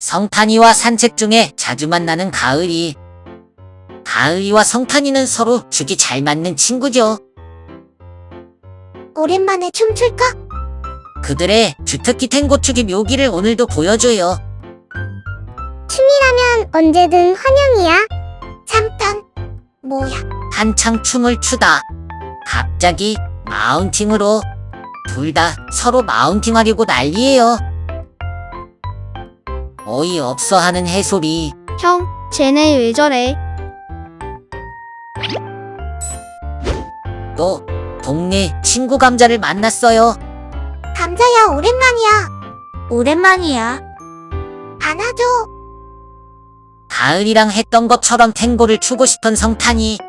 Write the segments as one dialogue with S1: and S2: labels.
S1: 성탄이와 산책 중에 자주 만나는 가을이. 가을이와 성탄이는 서로 죽이 잘 맞는 친구죠.
S2: 오랜만에 춤출까?
S1: 그들의 주특기 탱고추기 묘기를 오늘도 보여줘요.
S2: 춤이라면 언제든 환영이야. 잠깐. 뭐야?
S1: 한창 춤을 추다 갑자기 마운팅으로 둘 다 서로 마운팅하려고 난리예요. 어이없어 하는 해솔이.
S3: 형, 쟤네 왜 저래?
S1: 또 동네 친구 감자를 만났어요.
S2: 감자야, 오랜만이야.
S3: 오랜만이야.
S2: 안아줘.
S1: 가을이랑 했던 것처럼 탱고를 추고 싶은 성탄이.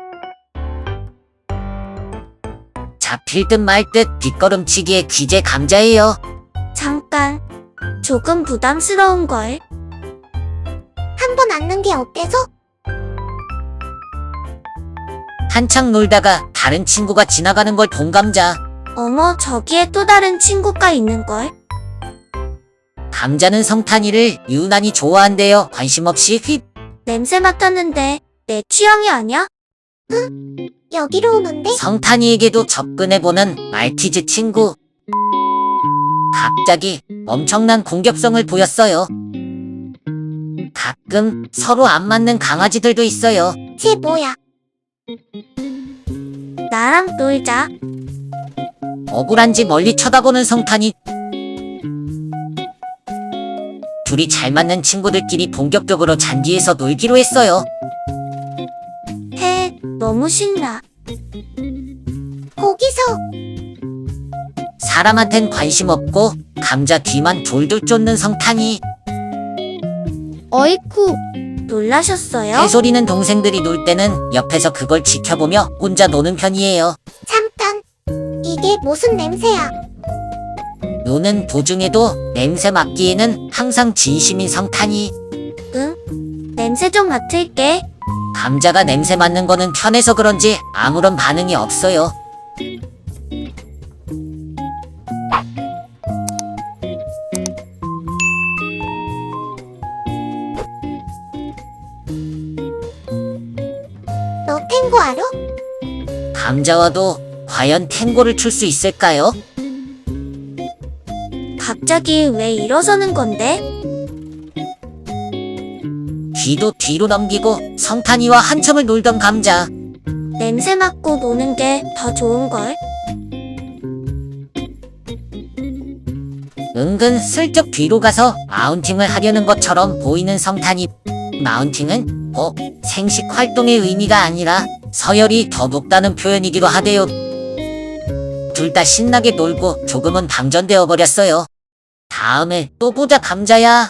S1: 잡힐 듯 말 듯 뒷걸음치기에 귀재 감자예요.
S3: 잠깐. 조금 부담스러운걸.
S2: 한 번 안는 게 어때서?
S1: 한창 놀다가 다른 친구가 지나가는 걸 본 감자.
S3: 어머, 저기에 또 다른 친구가 있는걸.
S1: 감자는 성탄이를 유난히 좋아한대요. 관심 없이 휙.
S3: 냄새 맡았는데 내 취향이 아니야?
S2: 여기로 오는데?
S1: 성탄이에게도 접근해보는 말티즈 친구. 갑자기 엄청난 공격성을 보였어요. 가끔 서로 안 맞는 강아지들도 있어요.
S2: 쟤 뭐야?
S3: 나랑 놀자.
S1: 억울한지 멀리 쳐다보는 성탄이. 둘이 잘 맞는 친구들끼리 본격적으로 잔디에서 놀기로 했어요.
S3: 해, 너무 신나.
S2: 거기서.
S1: 사람한텐 관심 없고 감자 뒤만 돌돌 쫓는 성탄이.
S3: 어이쿠, 놀라셨어요?
S1: 해솔이는 동생들이 놀 때는 옆에서 그걸 지켜보며 혼자 노는 편이에요.
S2: 잠깐. 이게 무슨 냄새야?
S1: 노는 도중에도 냄새 맡기에는 항상 진심인 성탄이.
S3: 응? 냄새 좀 맡을게.
S1: 감자가 냄새 맡는 거는 편해서 그런지 아무런 반응이 없어요.
S2: 너 탱고 알아?
S1: 감자와도 과연 탱고를 출 수 있을까요?
S3: 갑자기 왜 일어서는 건데?
S1: 뒤도 뒤로 넘기고 성탄이와 한참을 놀던 감자.
S3: 냄새 맡고 노는 게 더 좋은걸?
S1: 은근 슬쩍 뒤로 가서 마운팅을 하려는 것처럼 보이는 성탄이. 마운팅은 생식 활동의 의미가 아니라 서열이 더 높다는 표현이기도 하대요. 둘 다 신나게 놀고 조금은 방전되어 버렸어요. 다음에 또 보자 감자야.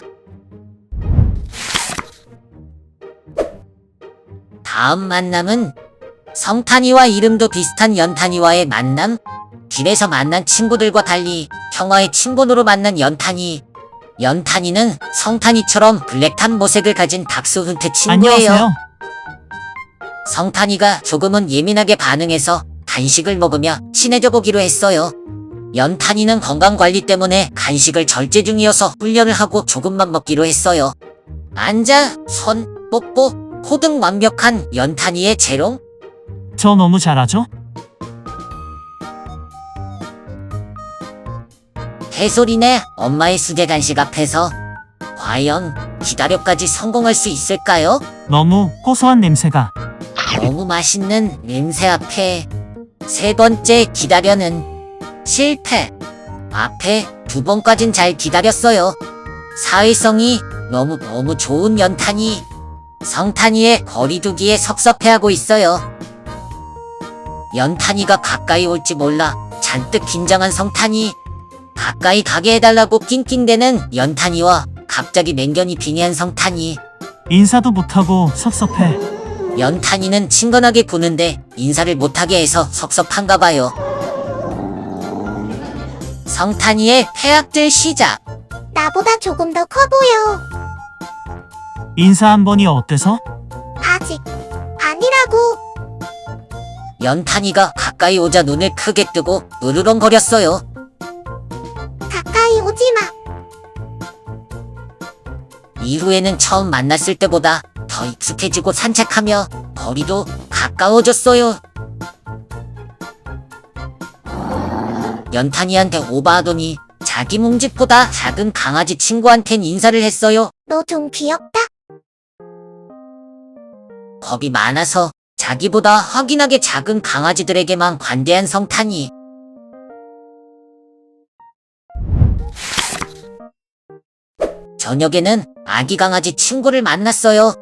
S1: 다음 만남은 성탄이와 이름도 비슷한 연탄이와의 만남. 길에서 만난 친구들과 달리 형아의 친분으로 만난 연탄이. 연탄이는 성탄이처럼 블랙탄 모색을 가진 닥스훈트 친구예요.
S4: 안녕하세요.
S1: 성탄이가 조금은 예민하게 반응해서 간식을 먹으며 친해져 보기로 했어요. 연탄이는 건강관리 때문에 간식을 절제 중이어서 훈련을 하고 조금만 먹기로 했어요. 앉아, 손, 뽀뽀, 코 등 완벽한 연탄이의 재롱.
S4: 저 너무 잘하죠?
S1: 해솔이네 엄마의 수제 간식 앞에서 과연 기다려까지 성공할 수 있을까요?
S4: 너무 고소한 냄새가.
S1: 너무 맛있는 냄새 앞에 세 번째 기다려는 실패. 앞에 두 번까진 잘 기다렸어요. 사회성이 너무 좋은 연탄이. 성탄이의 거리두기에 섭섭해하고 있어요. 연탄이가 가까이 올지 몰라 잔뜩 긴장한 성탄이. 가까이 가게 해달라고 낑낑대는 연탄이와 갑자기 맹견이 빙의한 성탄이.
S4: 인사도 못하고 섭섭해.
S1: 연탄이는 친근하게 구는데 인사를 못하게 해서 섭섭한가 봐요. 성탄이의 폐악질 시작.
S2: 나보다 조금 더 커 보여.
S4: 인사 한 번이 어때서?
S2: 아직. 아니라고.
S1: 연탄이가 가까이 오자 눈을 크게 뜨고 으르렁거렸어요.
S2: 가까이 오지 마.
S1: 이후에는 처음 만났을 때보다 더 익숙해지고 산책하며 거리도 가까워졌어요. 연탄이한테 오버하더니 자기 뭉집보다 작은 강아지 친구한텐 인사를 했어요.
S2: 너 좀 귀엽다.
S1: 겁이 많아서 자기보다 확인하게 작은 강아지들에게만 관대한 성탄이. 저녁에는 아기 강아지 친구를 만났어요.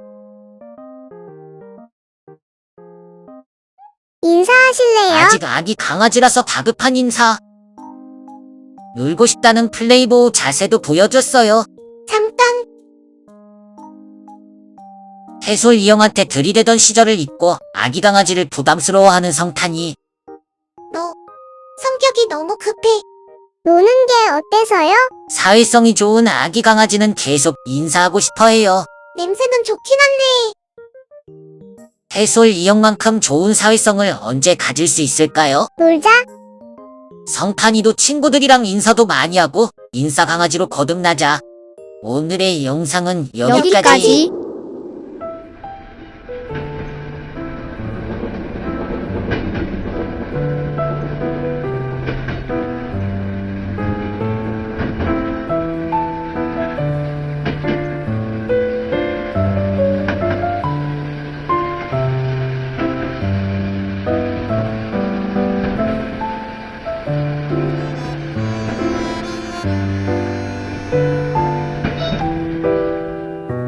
S3: 인사하실래요?
S1: 아직 아기 강아지라서 다급한 인사. 놀고 싶다는 플레이보우 자세도 보여줬어요.
S2: 잠깐,
S1: 해솔 이영한테 들이대던 시절을 잊고 아기 강아지를 부담스러워하는 성탄이.
S2: 너 성격이 너무 급해.
S3: 노는 게 어때서요?
S1: 사회성이 좋은 아기 강아지는 계속 인사하고 싶어해요.
S2: 냄새는 좋긴 한데.
S1: 해솔 이영만큼 좋은 사회성을 언제 가질 수 있을까요?
S3: 놀자.
S1: 성탄이도 친구들이랑 인사도 많이 하고 인싸 강아지로 거듭나자. 오늘의 영상은 여기까지.